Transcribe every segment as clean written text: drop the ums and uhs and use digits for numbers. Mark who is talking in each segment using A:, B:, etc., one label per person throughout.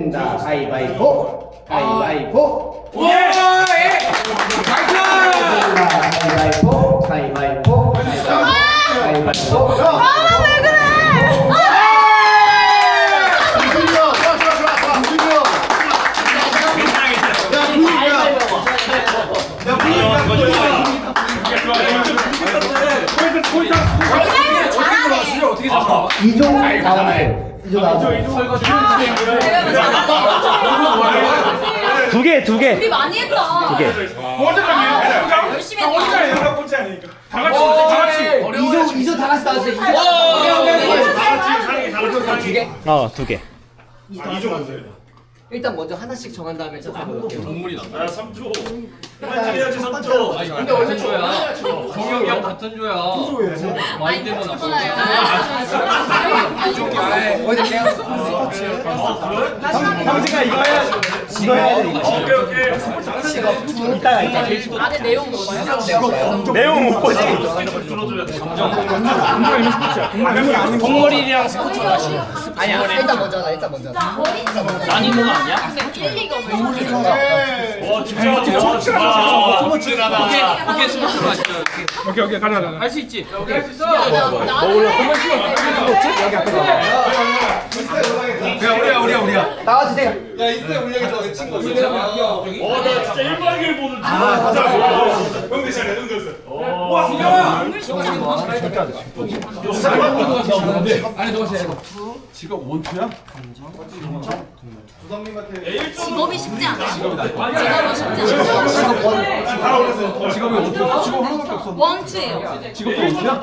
A: 된다. 가위바위보. 가위바위보.
B: 예!
A: 가위바위보. 가위바위보. 가위바위보.
C: 왜 그래?
A: 이종 나오세요. 이종 나오세요. 두 개.
C: 우리 많이 했다.
A: 두 개.
C: 열심히 했다.
B: 다 같이.
A: 이종 다 같이 나왔어요. 두 개? 두 개. 일단 먼저 하나씩 정한 다음에 저 가볼게요.
B: 야 3조. 그만 해야지 3조.
D: 근데 어제 조야. 동혁이랑 같은 조야. 많이 되면 나.
A: 형제가 이거 해야지. 이거 해야 돼.
B: 오케이.
A: 이따가.
C: 안에 내용 뭐야?
A: 내용 못 보지.
D: 동물이랑 스포츠 다시.
A: 아니야. 일단 먼저 하자.
D: 난이도가 아니야?
C: 1, 2가
B: 와 진짜 스포츠라다.
D: 오케이 스포츠로 하시죠.
B: 오케이 가자.
D: 할 수 있지.
B: 우리야.
A: 나와주세요.
B: 나 진짜 1박 2일 보는 중. 형들 잘 레전드였어. 와 승경아.
D: 아니 너가 해.
C: 직업이 쉽지 않아. 직업이 쉽지 않아.
B: 직업이 어떻게 없어? 직업 하나밖에 없어.
C: 원투예요.
B: 직업도 어디야?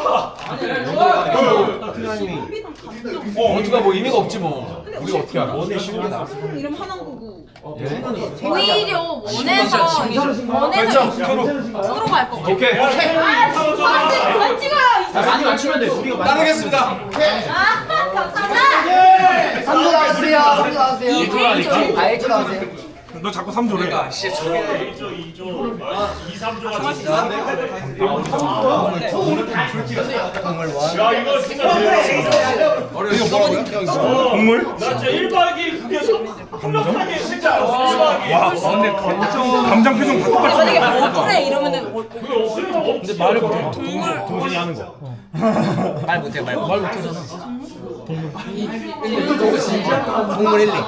D: 원투가 뭐 의미가 없지 뭐.
B: 우리가 어떻게 알아?
C: 이름 하는 거고. 오히려 원에서 프로 갈 거.
B: 오케이.
C: 안 찍어요.
D: 많이 맞추면 돼. 우리가
B: 따르겠습니다.
C: 아, 감사합니다.
A: 3조 나와주세요. 3조 나와주세요. 1조 나와주세요.
B: 너 자꾸 3조래.
D: 2조
B: 2조 2, 3조가 야 이거 진짜
D: 동물?
B: 나 진짜 1박 2일 그게 한명하게 진짜 1박 2일.
D: 와 근데 감정 표정 다 똑같아.
C: 만약에 뭐 그래 이러면은
B: 근데
D: 말을 못해. 동물이 하는 거. 말 못해 말 못하잖아.
A: 동물 1, 2.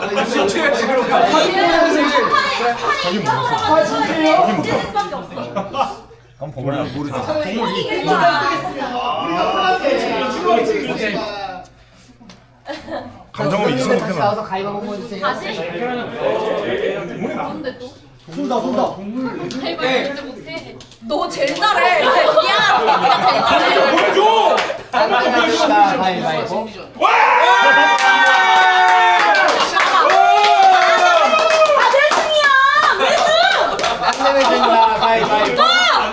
B: 감정을 이성 못해.
A: 나와서 가위바위보 해주세요.
C: 다시. 뭔데 또?
A: 손다.
C: 가위바위보 진짜 못해. 너 제일 잘해. 미안. 네가 제일 잘해.
B: 줘.
A: 가위바위보.
C: 아, 내승이야. 내승.
A: 안 내면 된다. 가위바위보.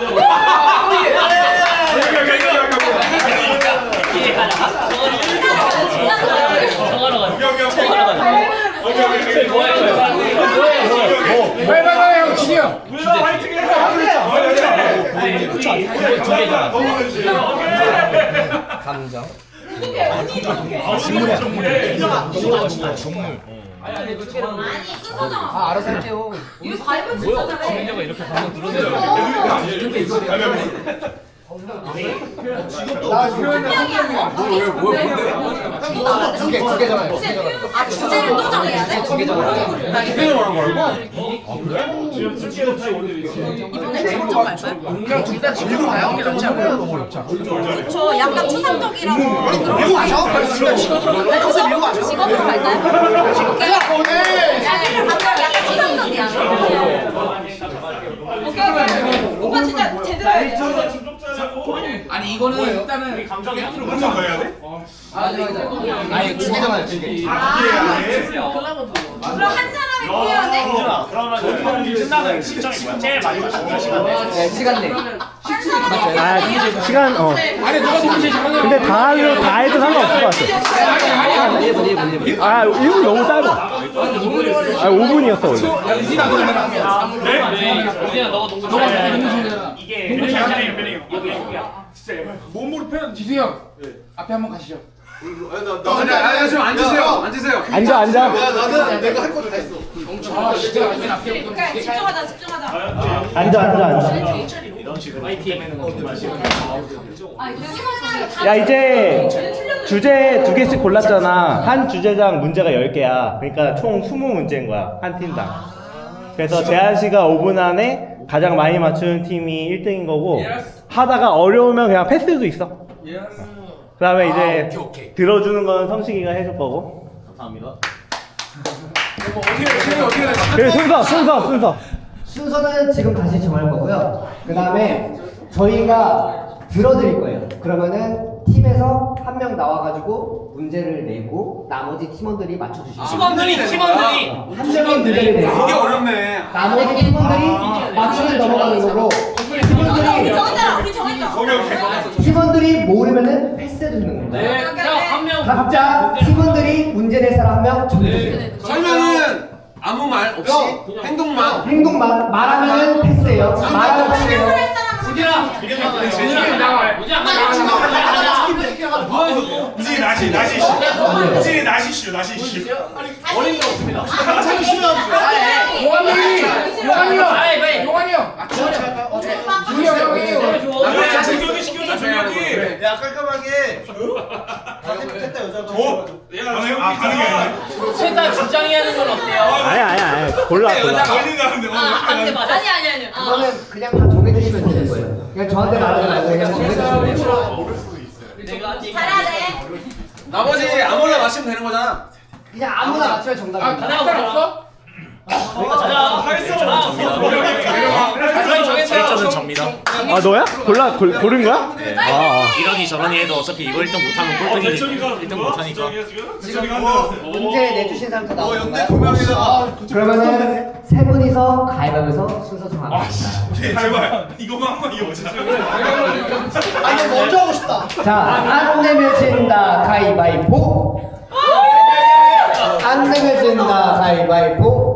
A: 형 진영. 감정.
C: 아니, 순서잖아.
A: 아 알아서 할게요.
C: 이거 가위바위보 진짜 잘해.
D: 내가 이렇게 방금 들었는데.
A: 두 개잖아요.
C: 아, 주제를 또 정해야 돼?
A: 두 개잖아요.
C: 이번에 직접 갈 거야?
A: 그냥 둘다 밀고 가요? 그렇지 않아요?
C: 저 약간 추상적이라서
A: 밀고 가죠? 직업으로 밀고 가죠?
C: 직업으로 갈까요? 오케이. 약간 추상적이야. 오케이. 오빠 진짜 제대로 해.
D: 아니 이거는 일단은
B: 감정이 앞으로 먼저 가야 돼?
A: 아니 두 개잖아요. 두 개.
C: 그럼 한 사람이 보여야 돼?
B: 그러면 끝나는 시점이 뭐야? 제일 마지막 시간 내.
A: 네 시간 내.
C: 한 사람이
E: 아, 시간
D: 아니 누가 동시에 잠깐만.
E: 근데 다 해도 상관없을 것 같아.
A: 1분.
E: 아, 1분 너무 짧아. 아, 5분이었어 원래.
D: 우진아 너가 농구 잘해.
B: 이게 베닝이야. 진짜
F: 몸으로 표현. 지수 형 앞에 한번 가시죠. 좀 앉으세요. 앉으세요.
E: 앉아.
F: 나는 내가 할 거 다 했어.
C: 집중하자 집중하자.
E: 앉아.
A: 이런 식으로 파이팅.
C: 아 이거
E: 야, 이제 주제 2개씩 골랐잖아. 한 주제당 문제가 10개야. 그러니까 총 20문제인 거야. 한 팀당. 그래서 제한 시간 5분 안에 가장 많이 맞추는 팀이 1등인 거고, 하다가 어려우면 그냥 패스도 있어. 그 다음에 이제 들어주는 건 성식이가 해줄 거고.
A: 감사합니다.
E: 그래, 순서.
A: 순서는 지금 다시 정할 거고요. 그 다음에 저희가 들어드릴 거예요. 그러면은 팀에서 한 명 나와가지고 문제를 내고 나머지 팀원들이 맞춰주시면 돼요.
D: 팀원들이
A: 한 명이 문제를 내고
F: 이게 어렵네.
A: 나머지 팀원들이 맞추면 넘어가는 거고 팀원들이
C: 우리 정했다.
A: 팀원들이 모르면은 패스해도 되는 겁니다.
D: 네, 한명
A: 각자 팀원들이 문제 낼 사람 한 명 정해주세요.
F: 설명은 아무 말 없이 행동만.
A: 행동만 말하면은 패스예요. 말하면 패스예요.
B: 이제 나시슈.
D: 어린 게 없습니다. 용환이 형.
B: 정경이 시켜줘 정경이.
F: 야 깔끔하게.
B: 가는 게 아니야.
D: 셋다 주장이 하는 건 어때요?
E: 아니야. 골라.
B: 걸린다는데
C: 안돼 맞아. 아니.
A: 그거는 그냥 다 정해주시면 되는 거예요. 그냥 저한테 말하지 말고 그냥 정해주시면 돼요.
D: 내가
C: 잘해야 돼.
F: 나머지 아무나 마시면 되는 거잖아.
A: 그냥 아무나 맞추면 정답입니다.
D: 가장 없어?
G: 저는 접니다.
E: 아, 너야? 고른 거야?
G: 이러니 저러니 해도 어차피 이거 1등 못하면 꼴등이니까 1등 못하니까.
A: 지금 문제 내주신 사람 다 나온
F: 연대
A: 건가요?
F: 2명이다가
A: 그러면은 세 분이서 가위바위보에서 순서 정합니다.
B: 제발 이거만 한번 이어보자.
A: 아니 먼저 하고 싶다. 자, 안 내면 진다 가위바위보. 안 내면 진다 가위바위보.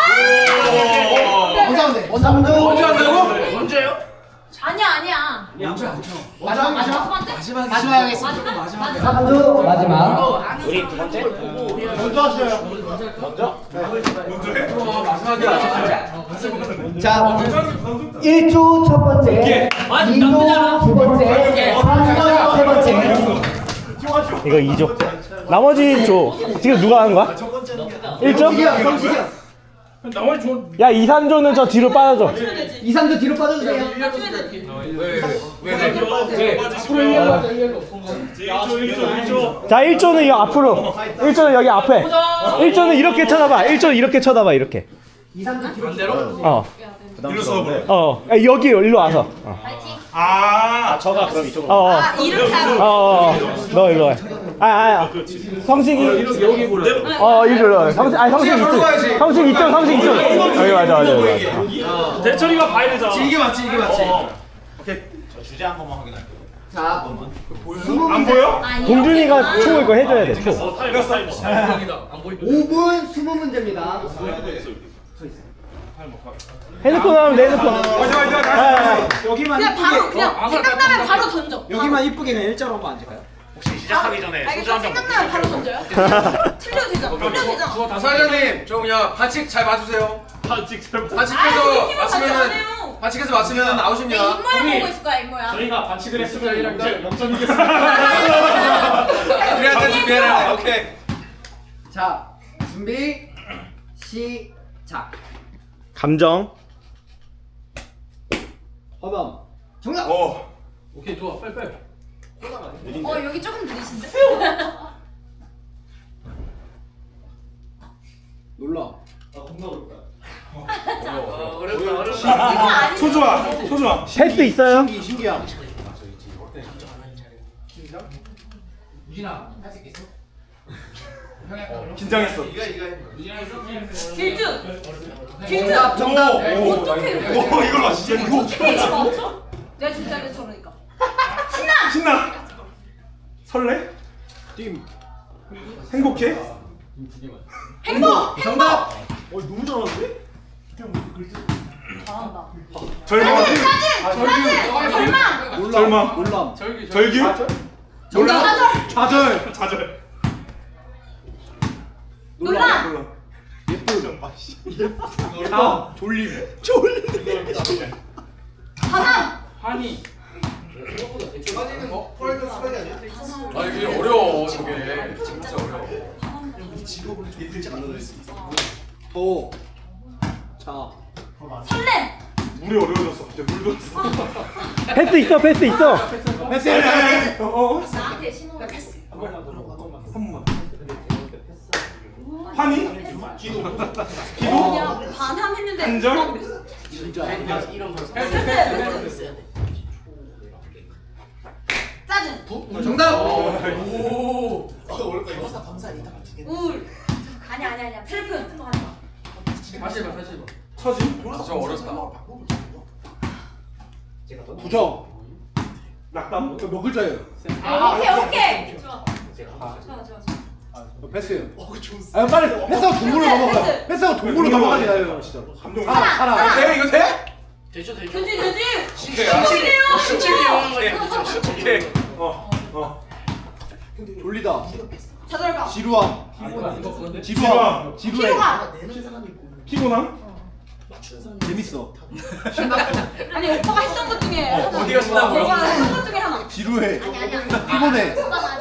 A: 먼저 하면 돼. 먼저 한다고?
D: 언제요?
C: 아니야.
A: 마지막
C: 마지막이겠습니다.
A: 3조 마지막.
G: 우리 두 번째?
A: 먼저 하셔요. 자, 1조 첫 번째, 2조 두 번째, 3조 세 번째.
E: 이거 2조. 나머지 줘. 지금 누가 하는 거야? 1조?
A: 성식이요.
E: 야, 2, 3조는 저 뒤로 빠져줘.
A: 2, 3조 뒤로 빠져주세요.
E: 자, 1조는 이 앞으로. 1조는 여기 앞에. 1조는 이렇게 쳐다봐. 1조는 이렇게 쳐다봐. 이렇게.
A: 2, 3조 뒤로.
B: 일로 서버려.
E: 여기 일로 와서.
G: 저가 그럼 이쪽으로.
C: 이렇게 하고.
E: 너 일로 와. 성식이 여기 보래. 일로 와. 성식 이쪽. 성식 이쪽. 여기 맞아.
B: 대철이가 봐야 되잖아.
F: 이게 맞지.
G: 저 주제 한 번만 확인할게요.
A: 자,
B: 안 보여?
E: 동준이가 초 이거 해줘야 돼. 초.
A: 5분 20문제입니다.
E: 핸드폰 하면 내 핸드폰.
F: 여기만
C: 그냥 바로 그냥 생각나면 바로 던져.
F: 여기만 이쁘게 그냥 일자로 한번 앉을까요?
G: 혹시 시작하기 전에 소주
C: 알겠어.
G: 한병
C: 생각나면 바로 던져요. 틀려도 되잖아.
F: 사장님 저 그냥 반칙 잘 봐주세요. 반칙해서 맞추면은
C: 내
F: 아웃입니다.
C: 입모양 보고 있을 거야 입모양.
B: 저희가 반칙을 했으면 이제 0점이겠습니다.
F: 우리한테 준비해라. 오케이.
A: 자, 준비 시작.
E: 감정.
A: 정답.
D: 오케이 좋아 빨리.
C: 여기 조금 느리신데?
F: 놀라.
C: 이거
B: 소주아.
E: 패스 있어요?
B: 긴장했어.
C: 길준.
A: 정답.
C: 어떻게 이렇게?
B: 이걸 맞지?
C: 어떻게 이거 맞춰? 내가 진짜 이거 저러니까.
B: 신나. 설레? 행복해?
C: 행복.
A: 정답.
B: 너무 잘하는데?
C: 잘한다.
B: 절망.
C: 짜증. 절망.
B: 절망. 절규?
C: 정답.
F: 좌절.
B: 좌절.
C: 논란.
F: 졸림.
C: 반항.
D: 한이.
F: 아 이게 어려워 저게. 진짜 어려워. 또. 자.
C: 설렘.
B: 물이 어려워졌어. 갑자기 물 들었어.
E: 패스 있어, 패스 있어.
C: 나한테 신호.
B: 환희?
C: 그냥 반항했는데.
B: 한절?
C: 패스. 짜증.
F: 정답.
C: 우울. 아니야. 슬픔.
D: 다시 해봐, 다시 해봐.
B: 처지?
F: 진짜 어렵다.
B: 부정. 낙담?
F: 몇 글자예요?
C: 오케이. 좋아.
F: 패스예요. 아 빨리 패스하고 동물로 넘어가.
C: 패스.
F: 패스하고 동물로 넘어가잖아요 진짜.
B: 감동.
C: 사랑.
F: 돼 이거 돼?
C: 되지.
F: 오케이. 졸리다.
C: 자존감.
F: 지루함.
B: 지루함.
F: 지루해.
B: 피곤함?
F: 재밌어.
C: 아니 오빠가 했던 것 중에 하나.
F: 어디가 신나고요?
C: 오빠가 했던 것 중에 하나.
F: 지루해.
C: 아니야.
F: 피곤해.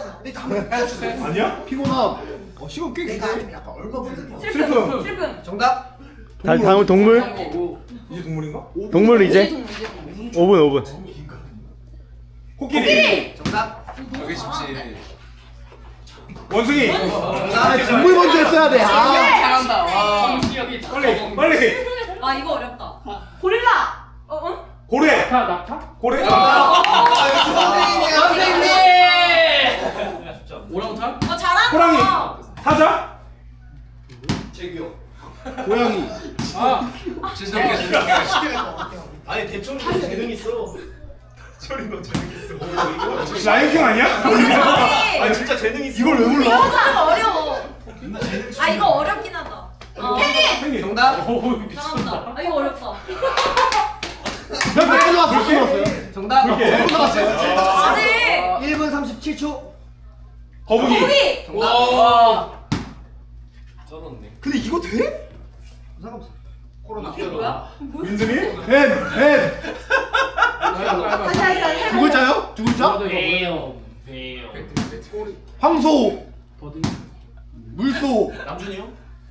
B: 아니야?
F: 피곤함. 시간 꽤 기네.
B: 슬픔.
C: 슬픔.
F: 정답.
E: 다음 동물.
B: 이게 동물인가?
E: 동물 이제 5분.
B: 코끼리.
F: 정답. 여기 쉽지.
B: 원숭이.
F: 동물 먼저 했어야 돼.
D: 잘한다. 와. 성시혁이
B: 빨리.
C: 아 이거 어렵다. 고릴라.
B: 고래.
D: 낙타?
B: 고래.
D: 선생님! 오랑우탄?
C: 잘한다.
B: 호랑이. 사자.
F: 고양이.
D: 아,
F: 진정해.
B: 철이 너 재능있어. 라이언킹 아니야?
C: 아니
B: 진짜 재능 있어.
F: 이걸 왜 몰라?
C: 이거 좀 어려워. 아 이거 어렵긴 하다. 펭귄.
F: 정답.
C: 잘한다. 아 이거 어렵다.
F: 몇 분 남았어요? 정답. 몇 분 남았어요?
C: 아직.
A: 1분 37초.
B: 거북이.
C: 고기.
D: 와.
F: 근데 이거 돼?
C: 이게 뭐야?
B: 민준이?
F: 뱀.
C: 다시.
F: 두 글자요? 두 글자?
D: 배요.
F: 황소. 물소.
D: 남준이요?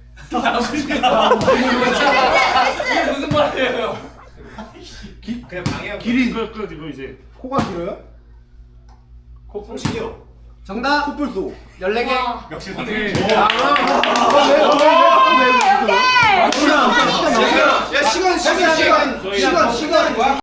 C: 패스.
D: 무슨 말이에요?
F: 기린.
B: 이거 이제.
F: 코가 길어요?
B: 성식이요.
F: 정답. 코뿔소. 14개.
C: 와.
B: 역시 선생님.
F: 야 시간.